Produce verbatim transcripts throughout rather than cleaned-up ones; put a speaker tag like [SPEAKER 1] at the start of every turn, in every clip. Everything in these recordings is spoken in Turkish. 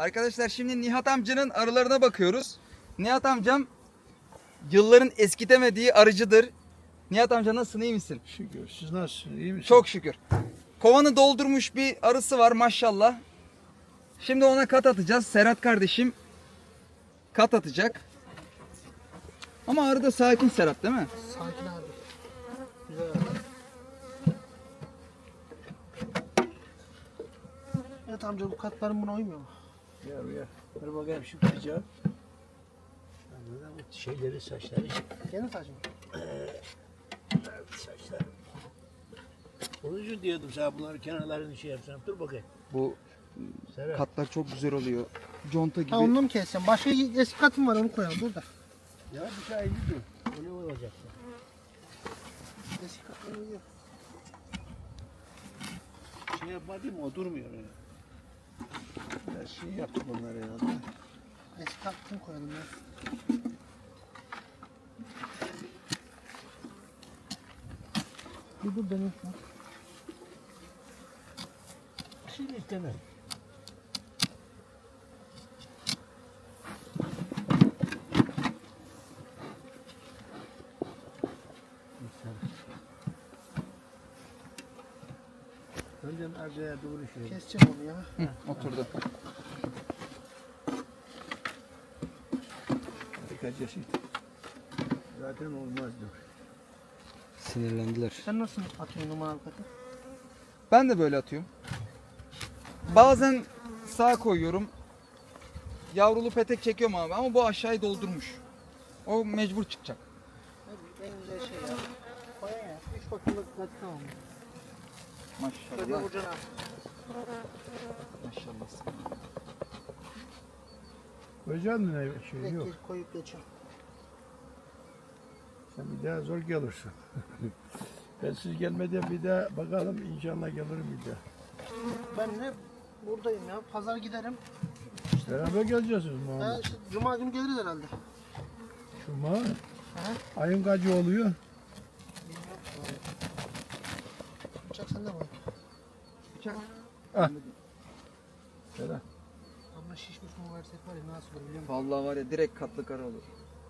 [SPEAKER 1] Arkadaşlar şimdi Nihat amcanın arılarına bakıyoruz. Nihat amcam yılların eskitemediği arıcıdır. Nihat amca nasılsın, iyi misin?
[SPEAKER 2] Şükür. Siz nasılsınız? İyi misiniz?
[SPEAKER 1] Çok şükür. Kovanı doldurmuş bir arısı var maşallah. Şimdi ona kat atacağız. Serhat kardeşim kat atacak. Ama arı da sakin Serhat, değil mi?
[SPEAKER 3] Sakin abi. Güzel abi. Evet amca, bu katların buna uymuyor mu?
[SPEAKER 2] Ya ya. Dur bakayım şu kıracağı. Anladın mı? Şeyleri, saçları.
[SPEAKER 3] Gene saç mı?
[SPEAKER 2] Saçları. Onun için diyordum sana bunları kenarlarını şey yapsam. Dur bakayım.
[SPEAKER 1] Bu
[SPEAKER 2] Serhat.
[SPEAKER 1] katlar çok güzel oluyor. Conta gibi.
[SPEAKER 3] Ha, onu mu keseceğim? Başka eski katım var, onu koyalım burada.
[SPEAKER 2] Ya bir şey dur. Öyle olacak.
[SPEAKER 3] Eski katım uyuyor.
[SPEAKER 2] Şey yapmadım o durmuyor öyle. Ya şey yaptık onları herhalde.
[SPEAKER 3] Eski katım koyalım ya. Bir dur dönüyor.
[SPEAKER 2] Şimdi istemem. Önden arkaya doğru şey.
[SPEAKER 3] Keseceğim onu ya.
[SPEAKER 1] Hı, oturdu.
[SPEAKER 2] Birkaç yaşıydı. Zaten olmazdı.
[SPEAKER 1] Sinirlendiler.
[SPEAKER 3] Sen nasıl atıyorsun numaralı katı?
[SPEAKER 1] Ben de böyle atıyorum. Bazen sağa koyuyorum. Yavrulu petek çekiyorum abi ama bu aşağıyı doldurmuş. O mecbur çıkacak.
[SPEAKER 3] Hadi en güzel şey ya. Koya ya. Üç bakımlık katı tamam. Şöyle
[SPEAKER 1] Maşallah.
[SPEAKER 3] vuracaksın abi.
[SPEAKER 1] Maşallah.
[SPEAKER 2] Koyacaksın mı ne şey
[SPEAKER 3] Direkt
[SPEAKER 2] yok.
[SPEAKER 3] geç, koyup geçiyorum.
[SPEAKER 2] Sen bir daha zor gelirsin. Ben siz gelmeden bir daha bakalım inşallah gelirim bir daha.
[SPEAKER 3] Ben de buradayım ya. Pazar giderim.
[SPEAKER 2] Beraber geleceğiz
[SPEAKER 3] Ha,
[SPEAKER 2] Muhammed.
[SPEAKER 3] işte Cuma günü geliriz herhalde.
[SPEAKER 2] Cuma.
[SPEAKER 3] Aha.
[SPEAKER 2] Ayın kaçı oluyor?
[SPEAKER 3] Bıçak sende mi?
[SPEAKER 1] Bıçak.
[SPEAKER 2] Ah. Serhat.
[SPEAKER 3] Ama şişmiş mu versek var ya, nasıl olur biliyor musun?
[SPEAKER 1] Vallahi var ya, direkt katlı kara olur.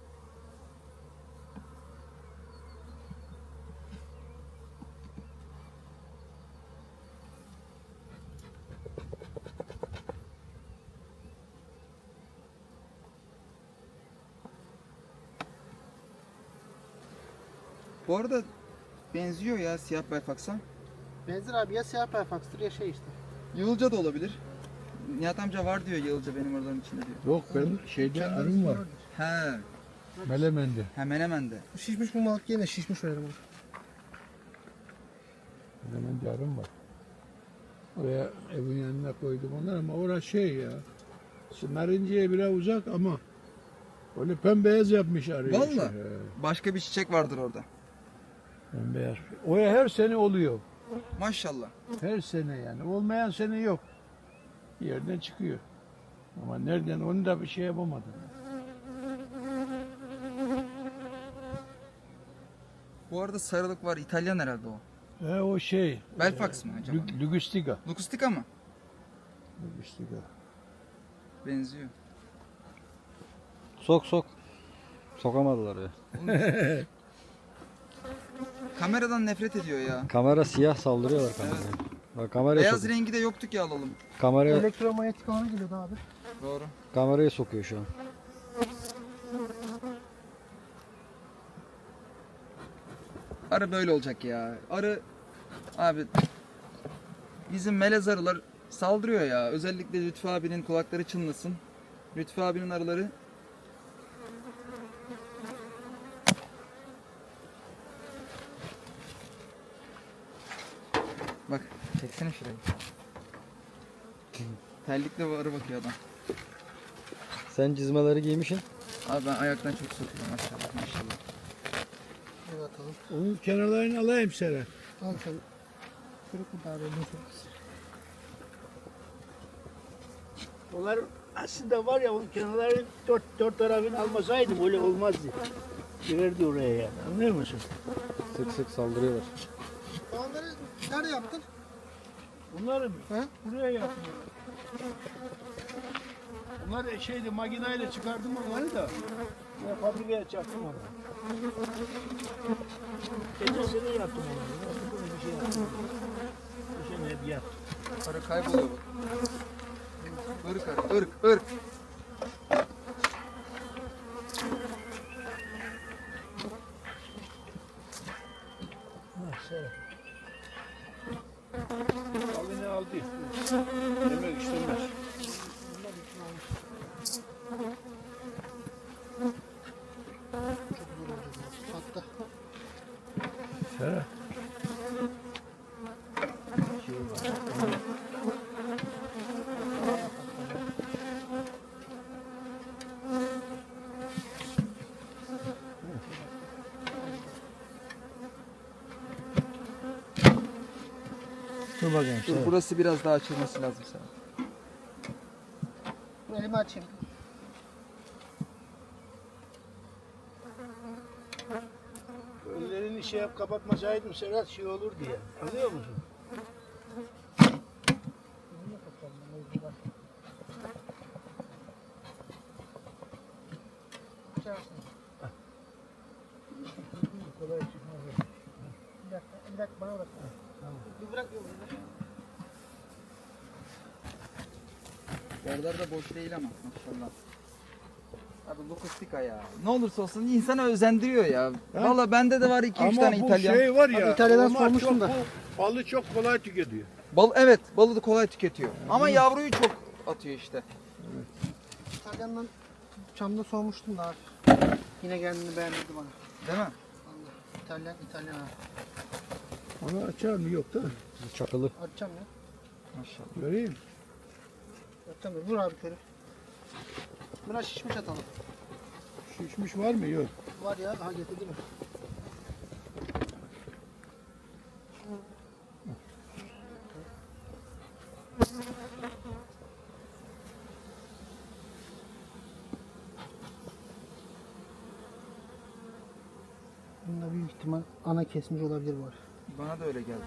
[SPEAKER 1] Bu arada benziyor ya siyah Belfax'a.
[SPEAKER 3] Benzer abi, ya siyah perfaksdır ya şey işte.
[SPEAKER 1] Yığılca da olabilir. Nihat amca var diyor yığılca benim oraların içinde diyor.
[SPEAKER 2] Yok ben şeyde arım var.
[SPEAKER 1] He,
[SPEAKER 2] Melemen'de.
[SPEAKER 1] hemen hemen de.
[SPEAKER 3] Bu şişmiş bu balık yine şişmiş verelim onu.
[SPEAKER 2] Melemen'de arım var. Oraya evin yanına koydum onları ama orası şey ya. Şimdi Narıncı'ya biraz uzak ama öyle pembeyaz yapmış arıyı.
[SPEAKER 1] Vallahi.
[SPEAKER 2] Şey, he,
[SPEAKER 1] Başka bir çiçek vardır orada.
[SPEAKER 2] pembeyaz. Oraya her sene oluyor.
[SPEAKER 1] Maşallah.
[SPEAKER 2] Her sene yani. Olmayan sene yok. Bir yerden çıkıyor. Ama nereden onu da bir şey yapamadım.
[SPEAKER 1] Bu arada sarılık var. İtalyan herhalde o.
[SPEAKER 2] E o şey.
[SPEAKER 1] Belfax mı acaba?
[SPEAKER 2] Lü- Lügüstika.
[SPEAKER 1] Lukustika mı?
[SPEAKER 2] Lügüstika.
[SPEAKER 1] Benziyor.
[SPEAKER 4] Sok sok. Sokamadılar ya.
[SPEAKER 1] Kameradan nefret ediyor ya.
[SPEAKER 4] Kamera siyah, saldırıyorlar kameraya. Bak kameraya
[SPEAKER 1] Beyaz
[SPEAKER 4] sok.
[SPEAKER 1] rengi de yoktu ki alalım.
[SPEAKER 4] Kameraya
[SPEAKER 3] Elektromanyetik alana geliyordu abi.
[SPEAKER 1] Doğru.
[SPEAKER 4] kameraya sokuyor şu an.
[SPEAKER 1] Arı böyle olacak ya. Arı abi bizim melez arılar saldırıyor ya. Özellikle Lütfü abinin kulakları çınlasın. Lütfü abinin arıları bak çeksene şurayı. Terlikle bu arı bakıyor adam.
[SPEAKER 4] Sen cizmeleri giymişsin.
[SPEAKER 1] Abi ben ayaktan çok sokuyorum maşallah maşallah.
[SPEAKER 3] Evet atalım.
[SPEAKER 2] Onun kenarlarını alayım Serhat.
[SPEAKER 3] Al sen. Kırık mı daha belli olsun.
[SPEAKER 2] Onlar aslında var ya onun kenarlarını dört, dört tarafını almasaydım öyle olmazdı. Girerdi oraya yani. Anlıyor musun?
[SPEAKER 4] Sık sık saldırıyorlar.
[SPEAKER 3] Onları nerede yaptın?
[SPEAKER 2] Bunları
[SPEAKER 3] He?
[SPEAKER 2] buraya yaptım. Bunlar şeydi makineyle çıkardım onları da. Ya fabrikaya çaktım onu. Geçen sene yaptım onu. Nasıl böyle bir şey yaptım. Bu sene hep yaptım.
[SPEAKER 1] Arı kayboluyor bak. Irk arı, ırk, ırk.
[SPEAKER 2] Aldı ne aldı. Demek istemez.
[SPEAKER 3] Hatta
[SPEAKER 2] Serhat.
[SPEAKER 3] dur bakayım.
[SPEAKER 1] Dur, burası biraz daha açılması lazım sana.
[SPEAKER 3] Elimi açayım.
[SPEAKER 2] Önlerini şey yap kapatmasaydım Serhat şey olur diye. Anlıyor musun? Kolay çıkmaz.
[SPEAKER 3] Bir dakika, bir dakika bana bırak. Tamam. Bir bırak yolu.
[SPEAKER 1] Yerler de boş değil ama maşallah. Abi lokustika ya. Ne olursa olsun insana özendiriyor ya.
[SPEAKER 2] Ha?
[SPEAKER 1] Valla bende de var iki üç
[SPEAKER 2] Ama
[SPEAKER 1] tane
[SPEAKER 2] bu
[SPEAKER 1] İtalyan.
[SPEAKER 2] şey var ya.
[SPEAKER 3] Abi İtalya'dan
[SPEAKER 2] onlar
[SPEAKER 3] sormuştum
[SPEAKER 2] çok-
[SPEAKER 3] da.
[SPEAKER 2] bu Balı çok kolay tüketiyor.
[SPEAKER 1] Bal, evet, balı da kolay tüketiyor. Ama yavruyu çok atıyor işte.
[SPEAKER 3] İtalyan'dan Çam'da sormuştum da abi. Yine kendini beğendirdi bana.
[SPEAKER 1] Değil mi?
[SPEAKER 3] Allah. İtalyan, İtalyan abi.
[SPEAKER 2] Onu açar mı? Yok da.
[SPEAKER 4] Çakılı.
[SPEAKER 3] Açacağım ya.
[SPEAKER 1] Maşallah.
[SPEAKER 2] Göreyim.
[SPEAKER 3] Açacağım ya. Vur abi körü. Biraz şişmiş atalım.
[SPEAKER 2] Şişmiş var mı? Yok.
[SPEAKER 3] Var ya. Aha getirdi mi? Bunda büyük ihtimal ana kesmiş olabilir var.
[SPEAKER 1] Bana da öyle geldi.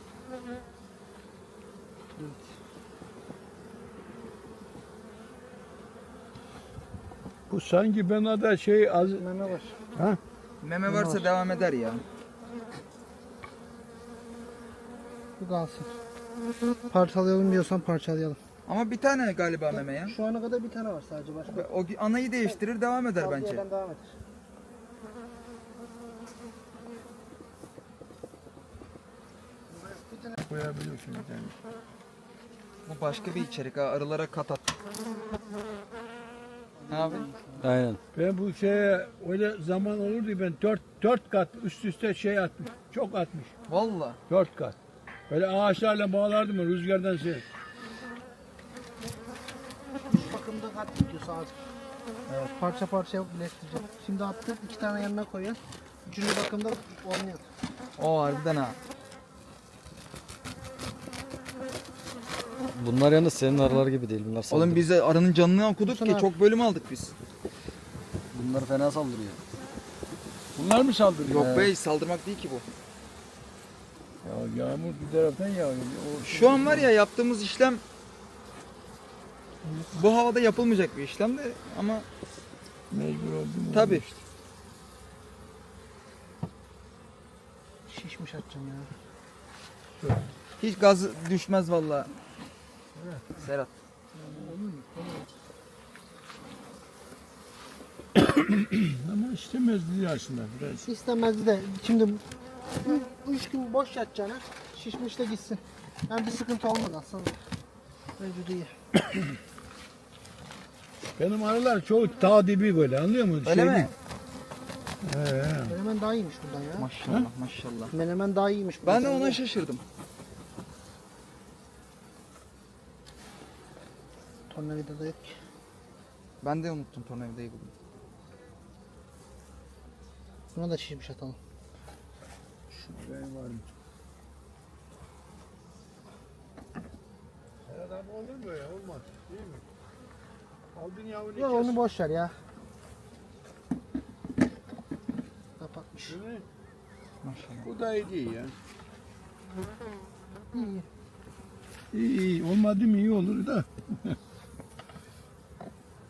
[SPEAKER 2] Bu sanki bana da şey az...
[SPEAKER 3] Meme var.
[SPEAKER 2] Ha?
[SPEAKER 1] Meme varsa devam eder ya.
[SPEAKER 3] Bu kalsın. Parçalayalım diyorsan parçalayalım.
[SPEAKER 1] Ama bir tane galiba meme ya.
[SPEAKER 3] Şu ana kadar bir tane var sadece başka.
[SPEAKER 1] O anayı değiştirir devam eder
[SPEAKER 3] Kaldığı
[SPEAKER 1] bence.
[SPEAKER 3] yerden devam eder.
[SPEAKER 2] Koyabiliyorsun bir tane.
[SPEAKER 1] Bu başka bir içerik ha. Arılara kat at. Ne abi?
[SPEAKER 4] Aynen.
[SPEAKER 2] Ben bu şeye öyle zaman olurdu ben dört, dört kat üst üste şey atmış. Çok atmış.
[SPEAKER 1] Valla.
[SPEAKER 2] Dört kat. Böyle ağaçlarla bağlardım ben rüzgardan şey.
[SPEAKER 3] Üç bakımda kat gidiyor saat. Evet. Parça parça yapıp birleştireceğim. Şimdi attım iki tane yanına koyuyorsun. Üçüncü bakımda olmuyor.
[SPEAKER 1] O harbiden ha.
[SPEAKER 4] Bunlar yalnız senin arılar gibi değil. Bunlar saldırıyor.
[SPEAKER 1] Oğlum biz de arının canını okuduk
[SPEAKER 3] Dursun
[SPEAKER 1] ki
[SPEAKER 3] abi.
[SPEAKER 1] çok bölüm aldık biz.
[SPEAKER 4] Bunlar fena saldırıyor.
[SPEAKER 2] Bunlar mı saldırıyor?
[SPEAKER 1] Yok be saldırmak değil ki bu.
[SPEAKER 2] Ya yağmur bir taraftan yağıyor. O
[SPEAKER 1] Şu an var ya yaptığımız işlem bu havada yapılmayacak bir işlem de ama
[SPEAKER 2] mecbur oldum.
[SPEAKER 1] tabii.
[SPEAKER 2] işte.
[SPEAKER 3] Şişmiş atacağım ya.
[SPEAKER 1] Hiç gaz düşmez vallahi. Serhat.
[SPEAKER 2] Ama istemezdi aslında biraz.
[SPEAKER 3] İstemezdi de şimdi bu üç gün boş yatacağına şişmiş de gitsin. Yani bir sıkıntı olmaz aslında. Mevcut iyi.
[SPEAKER 2] Benim arılar çoğu dağ dibi böyle anlıyor musun?
[SPEAKER 1] Öyle
[SPEAKER 2] Şey
[SPEAKER 1] mi?
[SPEAKER 2] değil. He, he.
[SPEAKER 3] Menemen daha iyiymiş bundan ya.
[SPEAKER 1] Maşallah maşallah.
[SPEAKER 3] Menemen daha iyiymiş.
[SPEAKER 1] Ben de
[SPEAKER 3] bundan.
[SPEAKER 1] ona şaşırdım.
[SPEAKER 3] Tornavida da yok ki.
[SPEAKER 1] Ben de unuttum tornavidayı bugün.
[SPEAKER 3] Buna da şişmiş atalım.
[SPEAKER 2] Ben varım. Serhat abi olur mu ya? Olmaz. Değil mi? Aldın yavrunu
[SPEAKER 3] Yok onu boş ver ya. Kapatmış.
[SPEAKER 2] Değil mi?
[SPEAKER 1] Maşallah.
[SPEAKER 2] Bu da iyi değil ya.
[SPEAKER 3] İyi iyi.
[SPEAKER 2] İyi iyi. Olmadı mı iyi olur da.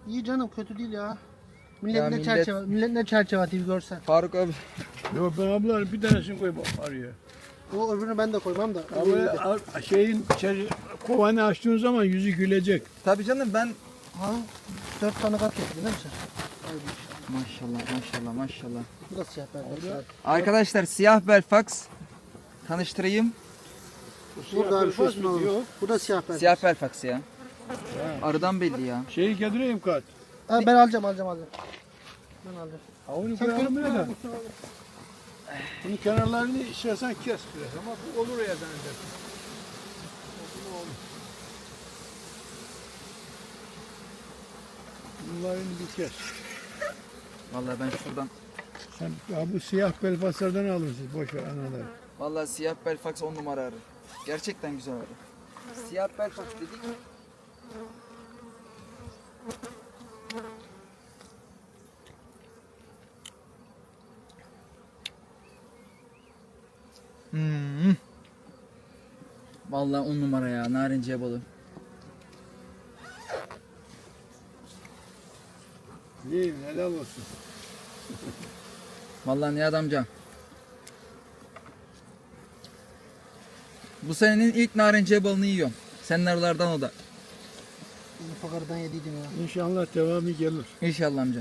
[SPEAKER 3] İyi canım, kötü değil ya. Millet
[SPEAKER 1] Ya
[SPEAKER 3] ne
[SPEAKER 1] millet-
[SPEAKER 3] çerçeve, millet ne çerçeve atıyor bir görsen.
[SPEAKER 1] Faruk abi.
[SPEAKER 2] Yok ben abla bir tanesini koy bak araya.
[SPEAKER 3] O öbürünü ben de koymam da.
[SPEAKER 2] Abi a- şeyin içeri, kovanı açtığın zaman yüzü gülecek.
[SPEAKER 1] Tabii canım ben
[SPEAKER 3] Ha, dört tane kat getirdin değil mi sen?
[SPEAKER 1] maşallah maşallah maşallah.
[SPEAKER 3] Bu da siyah beyaz.
[SPEAKER 1] Arkadaşlar siyah Belfax tanıştırayım.
[SPEAKER 3] Burada abi şu
[SPEAKER 2] Belfast
[SPEAKER 3] üstüne
[SPEAKER 2] mı
[SPEAKER 3] olur.
[SPEAKER 2] diyor?
[SPEAKER 3] Bu da siyah beyaz.
[SPEAKER 1] Siyah Belfax ya. Arıdan belli ya.
[SPEAKER 2] Şeyi getireyim kat.
[SPEAKER 3] Ha, ben alacağım alacağım alacağım. Ben alacağım.
[SPEAKER 2] Ha onu
[SPEAKER 3] Sen
[SPEAKER 2] koyalım
[SPEAKER 3] koy-
[SPEAKER 2] ya da. Bunun kenarlarını istersen kes biraz ama bu olur ya zannedersin. Bunların bir kes.
[SPEAKER 1] Vallahi ben şuradan.
[SPEAKER 2] Sen ya bu siyah belfaslardan alırsın boş ver anaları.
[SPEAKER 1] Vallahi siyah Belfax on numara arı. Gerçekten güzel arı. Siyah Belfax dedik. Hmm. Vallahi on numara ya narinciye balı.
[SPEAKER 2] İyiyim helal olsun.
[SPEAKER 1] Vallahi Nihat amca. Bu senenin ilk narinciye balını yiyorum. Senin arılardan o da.
[SPEAKER 3] Ufak aradan yediydim ya.
[SPEAKER 2] İnşallah devamı gelir.
[SPEAKER 1] İnşallah amca.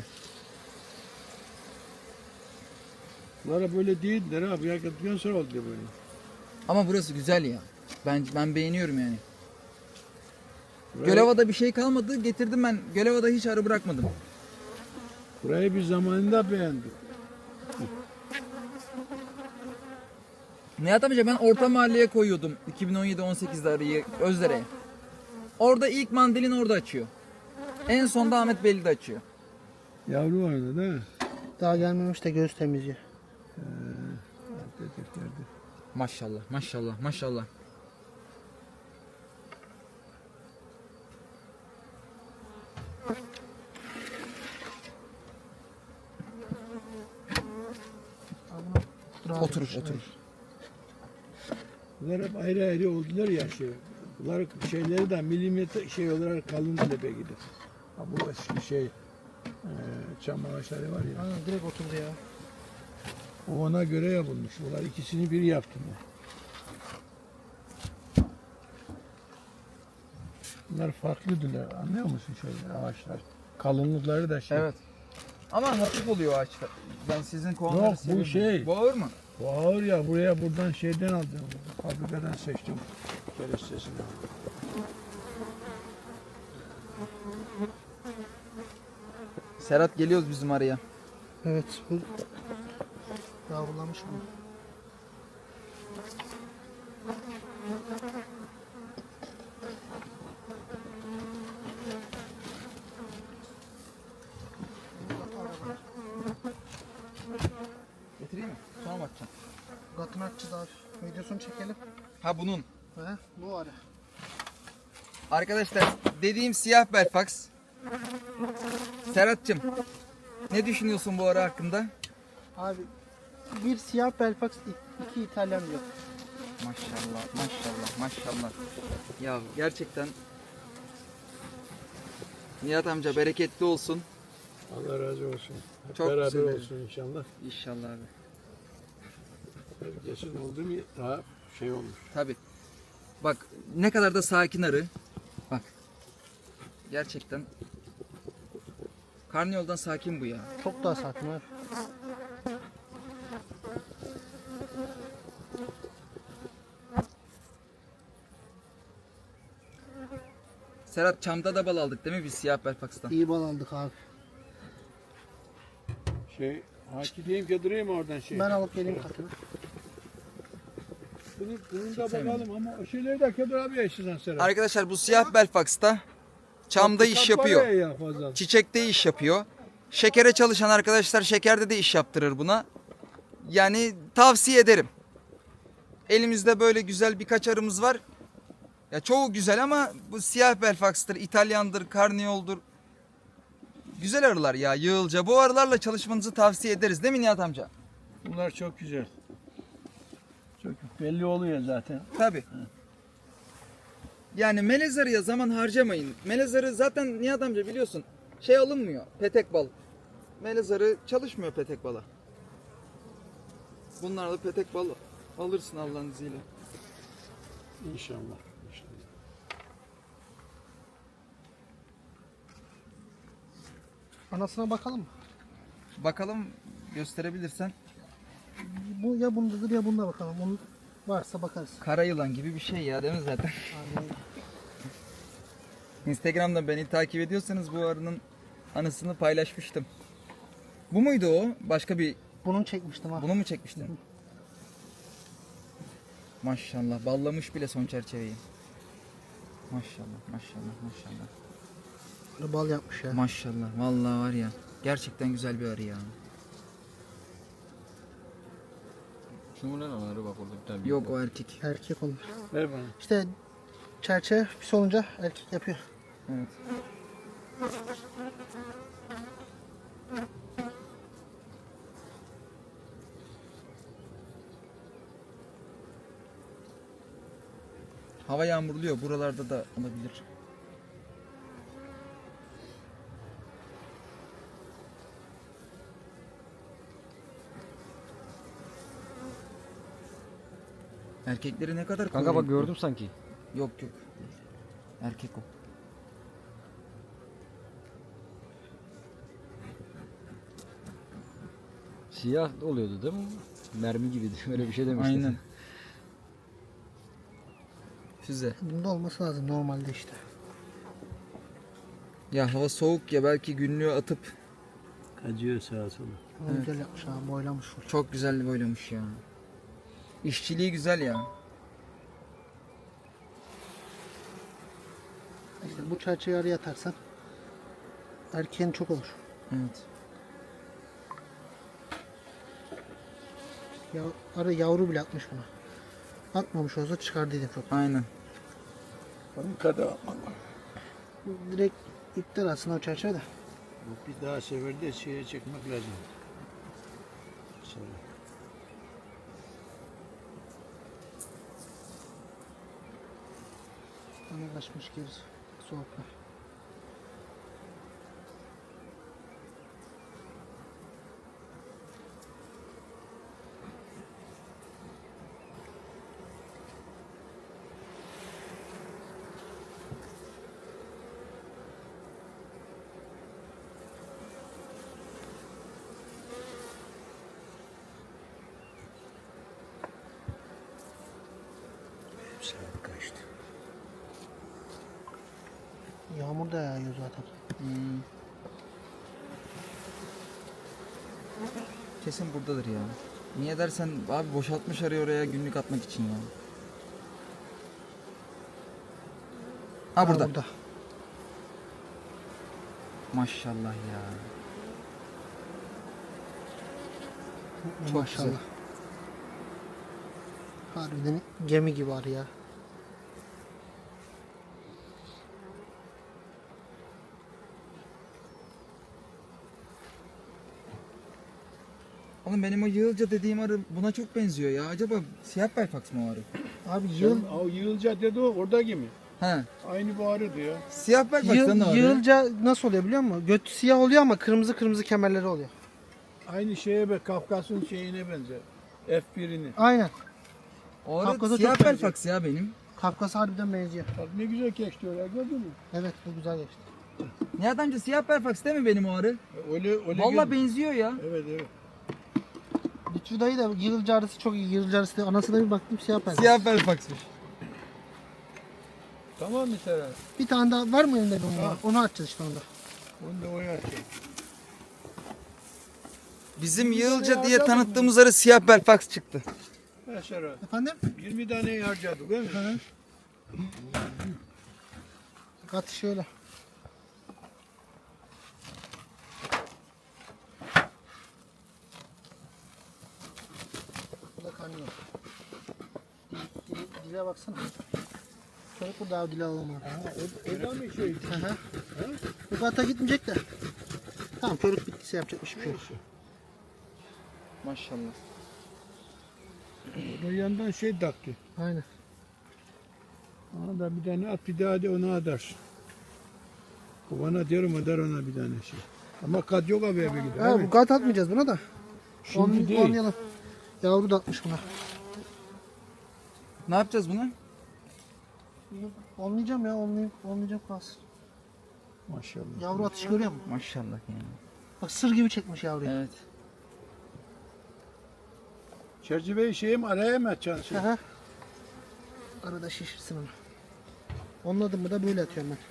[SPEAKER 2] Bunlara böyle değildir abi. Yakıttıktan sonra oldu böyle.
[SPEAKER 1] Ama burası güzel ya. Ben ben beğeniyorum yani.
[SPEAKER 2] Burayı,
[SPEAKER 1] Gölova'da bir şey kalmadı. Getirdim ben. Gölova'da hiç arı bırakmadım.
[SPEAKER 2] burayı bir zamanında beğendik.
[SPEAKER 1] Nihat amca ben orta mahalleye koyuyordum. iki bin on yedi on sekizde arıyı Özdere'ye. Orada ilk mandalin orada açıyor. En sonda Ahmet Belli de açıyor.
[SPEAKER 2] Yavru vardı değil mi?
[SPEAKER 3] Daha gelmemiş de göz temizliği.
[SPEAKER 2] Dedeklerde.
[SPEAKER 1] Maşallah maşallah maşallah. Oturur oturur.
[SPEAKER 2] Bunlar hep ayrı ayrı oldular ya şey. Bunlar şeyleri de milimetre şey olarak kalın tepe gider. Ha bu eski şey e, çam ağaçları var ya.
[SPEAKER 3] Aynen direkt oturdu ya.
[SPEAKER 2] O ona göre yapılmış. Bunlar ikisini bir yaptım ben. Bunlar farklıdırlar. Anlıyor musun şöyle ağaçlar? Kalınlıkları da şey.
[SPEAKER 1] Evet. Ama hafif oluyor ağaçlar. Ben sizin kovanları
[SPEAKER 2] Yok, bu
[SPEAKER 1] seviyorum.
[SPEAKER 2] şey.
[SPEAKER 1] Bu ağır mı?
[SPEAKER 2] Bu ağır ya buraya buradan şeyden aldım. Fabrikadan seçtim. Kerestesini aldım.
[SPEAKER 1] Serhat geliyoruz bizim araya.
[SPEAKER 3] Evet. Bu yavrulamış mı?
[SPEAKER 1] Getireyim mi? Sonra mı açacağım?
[SPEAKER 3] Gatını açacağız abi. Videosunu çekelim.
[SPEAKER 1] Ha bunun.
[SPEAKER 3] He, bu ara.
[SPEAKER 1] Arkadaşlar dediğim siyah Belfax. Serhat'cığım ne düşünüyorsun bu ara hakkında?
[SPEAKER 3] Abi bir siyah Belfax, iki İtalyan yok.
[SPEAKER 1] Maşallah maşallah maşallah. Ya gerçekten Nihat amca bereketli olsun.
[SPEAKER 2] Allah razı olsun. Hep
[SPEAKER 1] Çok
[SPEAKER 2] beraber
[SPEAKER 1] güzel.
[SPEAKER 2] olsun inşallah.
[SPEAKER 1] İnşallah abi.
[SPEAKER 2] Herkesin oldu mu daha şey olmuş.
[SPEAKER 1] Tabi. Bak ne kadar da sakin arı. Bak. Gerçekten. Karnıyoldan sakin bu ya.
[SPEAKER 3] Çok daha sakin abi.
[SPEAKER 1] Serhat çamda da bal aldık değil mi biz siyah Belfax'tan?
[SPEAKER 3] İyi bal aldık abi.
[SPEAKER 2] Şey, haki diyeyim ki durayım oradan şey.
[SPEAKER 3] Ben alıp geleyim katını.
[SPEAKER 2] Bunu, bunu da bakalım ama o şeyleri de Kedir abi eşitsen Serap.
[SPEAKER 1] Arkadaşlar bu siyah Belfax'ta çamda iş
[SPEAKER 2] Kap
[SPEAKER 1] yapıyor.
[SPEAKER 2] var ya fazla.
[SPEAKER 1] Çiçekte iş yapıyor. Şekere çalışan arkadaşlar şekerde de iş yaptırır buna. Yani tavsiye ederim. Elimizde böyle güzel birkaç arımız var. Ya çoğu güzel ama bu siyah Belfax'tır, İtalyandır, Karniyol'dur. Güzel arılar ya yığılca. Bu arılarla çalışmanızı tavsiye ederiz değil mi Nihat amca?
[SPEAKER 2] Bunlar çok güzel. Çok belli oluyor zaten.
[SPEAKER 1] Tabii. Yani melez arıya zaman harcamayın. Melez arı zaten Nihat amca biliyorsun. şey alınmıyor. Petek bal. Melezarı çalışmıyor petek bala. Bunlarla petek bal alırsın Allah'ın izniyle.
[SPEAKER 2] İnşallah. İnşallah.
[SPEAKER 3] Anasına bakalım mı?
[SPEAKER 1] Bakalım gösterebilirsen.
[SPEAKER 3] Bu ya bundadır ya bunda bakalım. Onun varsa bakarız.
[SPEAKER 1] Kara yılan gibi bir şey ya değil mi zaten?
[SPEAKER 3] Aynen.
[SPEAKER 1] Instagram'da beni takip ediyorsanız bu arının anısını paylaşmıştım. Bu muydu o? Başka bir...
[SPEAKER 3] Bunun çekmiştim ha.
[SPEAKER 1] Bunu mu çekmiştin? Maşallah. Ballamış bile son çerçeveyi. Maşallah, maşallah, maşallah.
[SPEAKER 3] Böyle bal yapmış ya.
[SPEAKER 1] Maşallah. Vallahi var ya. Gerçekten güzel bir arı ya.
[SPEAKER 4] Şu mu lan arı bak orada bir tane.
[SPEAKER 1] Yok o erkek.
[SPEAKER 3] Erkek olmuş.
[SPEAKER 2] Ver bana.
[SPEAKER 3] İşte çerçeve pis olunca erkek yapıyor.
[SPEAKER 1] Evet. Hava yağmurluyor. Buralarda da olabilir. Erkekleri ne kadar
[SPEAKER 4] Kanka bak
[SPEAKER 1] koruyup-
[SPEAKER 4] gördüm sanki.
[SPEAKER 1] Yok yok. Erkek o.
[SPEAKER 4] Siyah oluyordu değil mi? Mermi gibiydi. Öyle bir şey demiştin.
[SPEAKER 1] Aynen. Füze.
[SPEAKER 3] Bunda olması lazım normalde işte.
[SPEAKER 1] Ya hava soğuk ya belki günlüğü atıp
[SPEAKER 2] Acıyor sağa sola.
[SPEAKER 3] Ama
[SPEAKER 1] Evet.
[SPEAKER 3] Güzel yapmış ha, boylamış full.
[SPEAKER 1] çok güzel boylamış ya. İşçiliği güzel ya.
[SPEAKER 3] İşte bu çerçeveyi araya atarsan erkeğin çok olur.
[SPEAKER 1] Evet.
[SPEAKER 3] Ya, arı yavru bile atmış buna. Atmamış olsa çıkardıydım çok.
[SPEAKER 1] Aynen.
[SPEAKER 2] Onun kadar.
[SPEAKER 3] Direkt iptal aslında o çerçeve de.
[SPEAKER 2] Bu bir daha seferde şeye çekmek lazım. Sonra.
[SPEAKER 3] Ona kaçmış gerisi. Soğukta.
[SPEAKER 2] Saat kaçtı?
[SPEAKER 3] Yağmur da yağıyor zaten.
[SPEAKER 1] Hmm. Kesin buradadır ya. Niye dersen abi boşaltmış arıyor oraya günlük atmak için ya. Ha burada.
[SPEAKER 3] burada.
[SPEAKER 1] Maşallah ya.
[SPEAKER 3] Çok Maşallah.
[SPEAKER 1] güzel.
[SPEAKER 3] Harbiden gemi gibi var ya.
[SPEAKER 1] Oğlum benim o yığılca dediğim arı buna çok benziyor ya. Acaba siyah belfaks mı o arı?
[SPEAKER 3] Abi yıl,
[SPEAKER 2] Yıl, o yığılca dedi o oradaki mi?
[SPEAKER 1] He.
[SPEAKER 2] Aynı bu arı diyor.
[SPEAKER 1] Siyah belfaks'tan da
[SPEAKER 3] yıl,
[SPEAKER 1] arı.
[SPEAKER 3] yığılca nasıl oluyor biliyor musun? Götü siyah oluyor ama kırmızı kırmızı kemerleri oluyor.
[SPEAKER 2] Aynı şeye be Kafkas'ın şeyine benzer. F bir'ini.
[SPEAKER 3] Aynen.
[SPEAKER 1] O arı
[SPEAKER 3] Kafkas'a
[SPEAKER 1] siyah
[SPEAKER 3] çok benziyor.
[SPEAKER 1] belfaks ya benim.
[SPEAKER 3] Kafkas harbiden benziyor.
[SPEAKER 2] Bak ne güzel geçti oraya gördün mü?
[SPEAKER 3] Evet bu güzel geçti.
[SPEAKER 1] Nihat amca siyah belfaks değil mi benim o arı?
[SPEAKER 2] Öyle öyle.
[SPEAKER 1] Vallahi
[SPEAKER 2] gel-
[SPEAKER 1] benziyor ya.
[SPEAKER 2] Evet evet.
[SPEAKER 3] Lütfü dayı da yığılca arısı çok iyi. Yığılca arısı da anasına bir baktım siyah pembe.
[SPEAKER 1] Siyah belfaksmış.
[SPEAKER 2] Tamam mı Serhat?
[SPEAKER 3] Bir tane daha var mı elinde bir onun?
[SPEAKER 2] Ha.
[SPEAKER 3] Onu açacağız işte onda.
[SPEAKER 2] Onu da oynatacak.
[SPEAKER 1] Bizim yığılca diye tanıttığımız arı siyah belfaks çıktı.
[SPEAKER 2] Ha Serhat.
[SPEAKER 3] Efendim?
[SPEAKER 2] yirmi tane harcadık değil mi?
[SPEAKER 3] Kat şöyle. Bu da kanıyor. Dil, dil, dile baksana. Çocuk burada abi dile alalım abi.
[SPEAKER 2] Ha, o, o da mı şey?
[SPEAKER 3] Hı hı. Bu kata gitmeyecek de. Tamam çocuk bittiyse yapacak bir şey yok.
[SPEAKER 1] Maşallah.
[SPEAKER 2] O da yandan şey taktı.
[SPEAKER 3] Aynen.
[SPEAKER 2] Ona da bir tane at bir daha de onu atarsın. Kovana diyorum eder ona bir tane şey. Ama kat yok abi bir gider.
[SPEAKER 3] Ha, bu kat atmayacağız buna da.
[SPEAKER 2] Şimdi
[SPEAKER 3] Onu
[SPEAKER 2] değil.
[SPEAKER 3] oynayalım. Yavru da atmış buna.
[SPEAKER 1] Ne yapacağız bunu?
[SPEAKER 3] Olmayacağım ya, olmayayım, olmayacağım kalsın.
[SPEAKER 2] Maşallah.
[SPEAKER 3] Yavru atış görüyor musun?
[SPEAKER 1] Maşallah yani.
[SPEAKER 3] Bak sır gibi çekmiş yavruyu.
[SPEAKER 1] Evet.
[SPEAKER 2] Çerçeveyi şeyim araya mı atacaksın?
[SPEAKER 3] Aha. Arada şişirsin onu. Onun adımı da böyle atıyorum ben.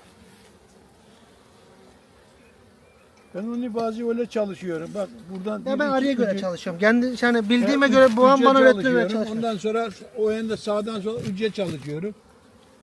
[SPEAKER 2] Ben onu bazı öyle çalışıyorum. Bak buradan
[SPEAKER 3] Ya
[SPEAKER 2] bir,
[SPEAKER 3] ben
[SPEAKER 2] iki,
[SPEAKER 3] araya göre
[SPEAKER 2] ücü-
[SPEAKER 3] çalışıyorum. Kendi yani bildiğime
[SPEAKER 2] Ya,
[SPEAKER 3] göre babam
[SPEAKER 2] üce
[SPEAKER 3] bana öğretmeye
[SPEAKER 2] çalışıyorum.
[SPEAKER 3] çalışıyorum.
[SPEAKER 2] Ondan sonra o yanda sağdan sola üce çalışıyorum.